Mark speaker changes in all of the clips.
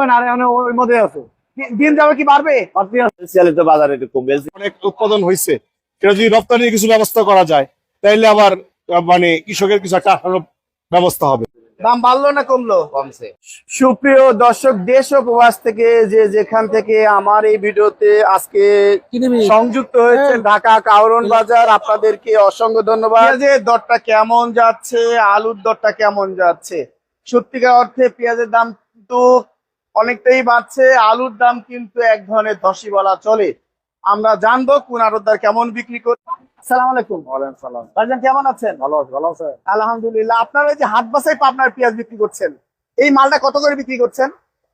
Speaker 1: কমে না, ওই মধ্যে আছে।
Speaker 2: দিন যাবে কি বাড়বে?
Speaker 3: বাজারে একটু কমবে,
Speaker 4: অনেক উৎপাদন হয়েছে, সেটা যদি রপ্তানির কিছু ব্যবস্থা করা যায় তাহলে আবার মানে কৃষকের কিছু একটা ব্যবস্থা হবে।
Speaker 2: দাম বাড়লো না কমলো?
Speaker 3: কমছে।
Speaker 2: সুপ্রিয় দর্শক, দেশ ও প্রবাস থেকে যে যেখান থেকে আমার এই ভিডিওতে আজকে সংযুক্ত হয়েছে ঢাকা কাউরন বাজার, আপনাদেরকে অসংখ্য ধন্যবাদ। পেঁয়াজের দরটা কেমন যাচ্ছে, আলুর দরটা কেমন যাচ্ছে? সত্যিকার অর্থে পেঁয়াজের দাম কিন্তু অনেকটাই বাড়ছে, আলুর দাম কিন্তু এক ধরনের ধসই বলা চলে। আমরা জানবো কোন আড়তদার কেমন বিক্রি করছে। আসসালামু আলাইকুম।
Speaker 1: ওয়ালাইকুম সালাম।
Speaker 2: ভাইজান কেমন আছেন?
Speaker 1: ভালো আছে, ভালো আছে।
Speaker 2: আলহামদুলিল্লাহ। আপনারা এই যে হাট বাসায় পাবনার পেঁয়াজ বিক্রি করছেন, এই মালটা কত করে বিক্রি করছেন?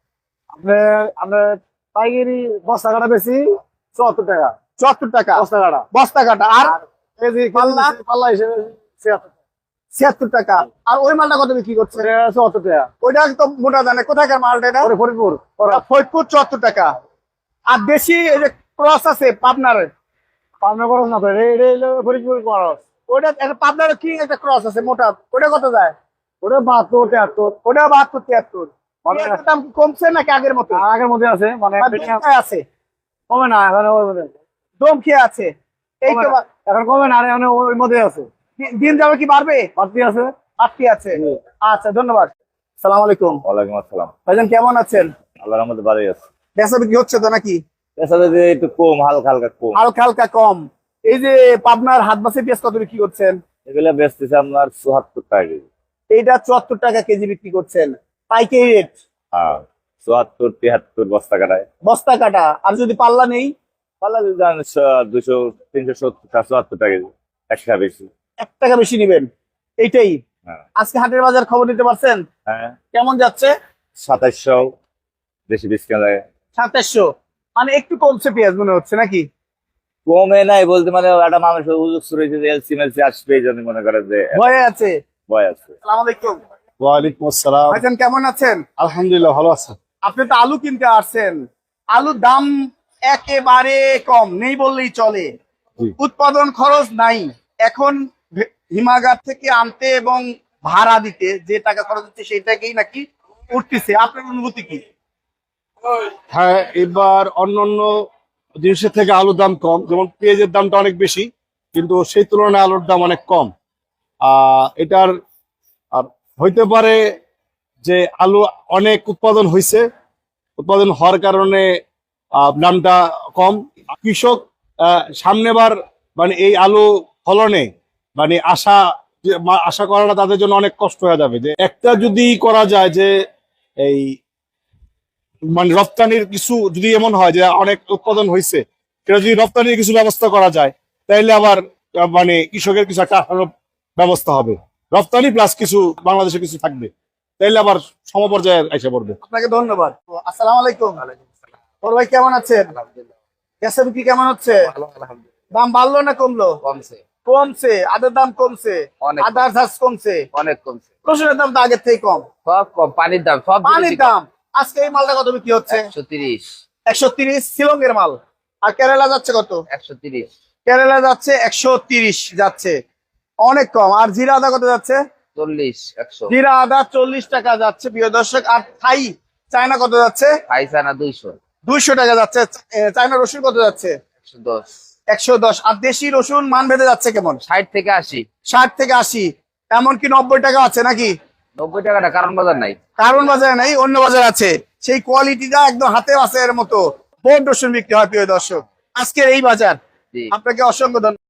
Speaker 1: আপনার পাইকারি বস্তা কাটা বেশি 74 টাকা।
Speaker 2: 74 টাকা
Speaker 1: বস্তা কাটা।
Speaker 2: বস্তা কাটা। আর
Speaker 1: কেজি
Speaker 2: পাল্লা?
Speaker 1: পাল্লা হিসেবে
Speaker 2: 76 টাকা। আর ওই মালটা কত বিক্রি করছেন?
Speaker 1: 74 টাকা।
Speaker 2: ওইটা তো মোটা জানে। কোথাকার মালটা এটা?
Speaker 1: ফরিদপুর।
Speaker 2: ফরিদপুর 74 টাকা। আর দেশি এই যে ক্রস আছে পাবনার,
Speaker 1: পাবনা খরচ না তো, এটা হলো ফরিদপুর খরচ।
Speaker 2: ওইটা একটা পাবনার কি একটা ক্রস আছে মোটা, ওটা কত যায়?
Speaker 1: ওটা 72 73।
Speaker 2: ওটা 72 73। পেঁয়াজের দাম কি কমছে নাকি আগের মতো?
Speaker 1: আগের মধ্যে আছে, মানে
Speaker 2: আর দম খেয়ে আছে?
Speaker 1: কমে না এখন, ওই মধ্যে
Speaker 2: দম খেয়ে আছে। এই তো
Speaker 1: এখন কমে না, ওই মধ্যে আছে।
Speaker 2: দিন যাবে কি বাড়বে?
Speaker 1: বাড়তি আছে।
Speaker 2: আটটি আছে। আচ্ছা, ধন্যবাদ। সালাম আলাইকুম।
Speaker 3: ওয়ালাইকুম আসসালাম।
Speaker 2: ভাইজান কেমন আছেন?
Speaker 3: আল্লাহর রহমতে ভালোই আছে।
Speaker 2: বেচা বিক্রি হচ্ছে তো নাকি?
Speaker 3: পেশাতে যে একটু কম, হালকা হালকা কম।
Speaker 2: হালকা হালকা কম। এই যে পাবনার হাট বাসে পেঁয়াজ কত বিক্রি করছেন?
Speaker 3: এগুলা বেচতেছে আপনার 74 টাকা কেজি।
Speaker 2: এইটা 74 টাকা কেজি বিক্রি করছেন, পাইকারি রেট।
Speaker 3: হ্যাঁ, 74 73 বস্তা কাটায়।
Speaker 2: বস্তা কাটা। আর যদি পাল্লা নেই?
Speaker 3: পাল্লা যদি যান 200 370 74 টাকা কেজি, 1 টাকা বেশি।
Speaker 2: 1 টাকা বেশি নিবেন, এইটাই।
Speaker 3: হ্যাঁ।
Speaker 2: আজকে হাটের বাজার খবর নিতে পারছেন?
Speaker 3: হ্যাঁ,
Speaker 2: কেমন যাচ্ছে?
Speaker 3: 2700 বেশি বেশি কেনা যায়।
Speaker 2: 2700, মানে একটু কমছে পেঁয়াজ মনে হচ্ছে নাকি?
Speaker 3: কমে নাই বলতে, মানে একটা মানুষের হুজুগ শুরু হয়েছে যে এলসি মেলসি আসবে, এই জন্য মনে করে যে
Speaker 2: ভয়ে আছে।
Speaker 3: ভয় আছে।
Speaker 2: আসসালামু আলাইকুম।
Speaker 4: ওয়ালাইকুম আসসালাম।
Speaker 2: ভাইজান কেমন আছেন?
Speaker 4: আলহামদুলিল্লাহ ভালো আছে।
Speaker 2: আপনি তো আলু কিনতে আসছেন, আলুর দাম একেবারে কম, নেই বললেই চলে।
Speaker 4: জি।
Speaker 2: উৎপাদন খরচ নাই। এখন হিমাগার থেকে আনতে এবং ভাড়া দিতে যে টাকা খরচ হচ্ছে সেই টাকাই নাকি উঠতেছে। আপনার অনুভূতি কি?
Speaker 4: হ্যাঁ, এবার অন্যান্য জিনিসের থেকে আলুর দাম কম, যেমন পেঁয়াজের দামটা অনেক বেশি, কিন্তু সেই তুলনায় আলুর দাম অনেক কম। এটার আর হইতে পারে যে আলু অনেক উৎপাদন হয়েছে, উৎপাদন হওয়ার কারণে দামটা কম। কৃষক সামনেবার মানে এই আলু ফলনে মানে আশা করাটা তাদের জন্য অনেক কষ্ট হয়ে যাবে। যে একটা যদি করা যায় যে এই মানে রপ্তানির কিছু যদি এমন হয় যে অনেক উৎপাদন হয়েছে, সেটা যদি রপ্তানির কিছু ব্যবস্থা করা যায় তাহলে আবার মানে কৃষকের কিছু একটা ব্যবস্থা হবে। রপ্তানি প্লাস কিছু বাংলাদেশে কিছু থাকবে, তাইলে আবার সমপর্যায়ে এসে পড়বে।
Speaker 2: আপনাকে ধন্যবাদ। আসসালামু আলাইকুম। ওর ভাই কেমন আছেন? বেচা বিক্রি কেমন হচ্ছে? দাম বাড়লো না কমলো?
Speaker 3: কমছে।
Speaker 2: কমছে। আদার দাম কমছে,
Speaker 3: অনেক।
Speaker 2: আদার চার্জ কমছে,
Speaker 3: অনেক কমছে।
Speaker 2: রসুনের দাম তো আগের থেকে কম।
Speaker 3: সব কম, পানির দাম সব
Speaker 2: পানির দাম। আজকে এই মালটা কত বিক্রি হচ্ছে?
Speaker 3: 130
Speaker 2: 130 শিলংয়ের মাল। আর কেরালা যাচ্ছে কত?
Speaker 3: 130
Speaker 2: কেরালা যাচ্ছে 130 যাচ্ছে, অনেক কম। আর জিরা আদা কত যাচ্ছে?
Speaker 3: 40 100।
Speaker 2: জিরা আদা 40 টাকা যাচ্ছে প্রিয় দর্শক। আর থাই চায়না কত যাচ্ছে?
Speaker 3: পাইসানা 200
Speaker 2: 200 টাকা যাচ্ছে। চায়না রসুন কত যাচ্ছে?
Speaker 3: 110
Speaker 2: 110। আর দেশি রসুন মান ভেদে যাচ্ছে কেমন?
Speaker 3: 60 থেকে 80।
Speaker 2: 60 থেকে 80, এমনকি 90 টাকা আছে নাকি?
Speaker 3: 90 টাকাটা কারণ বাজার নাই।
Speaker 2: কারণ বাজারে নাই, অন্য বাজার আছে। সেই কোয়ালিটিটা একদম হাতে আছে এর মতো বোন রসুন বিক্রি হয় প্রিয় দর্শক। আজকের এই বাজার।
Speaker 3: জি।
Speaker 2: আপনাকে অসংখ্য ধন্যবাদ।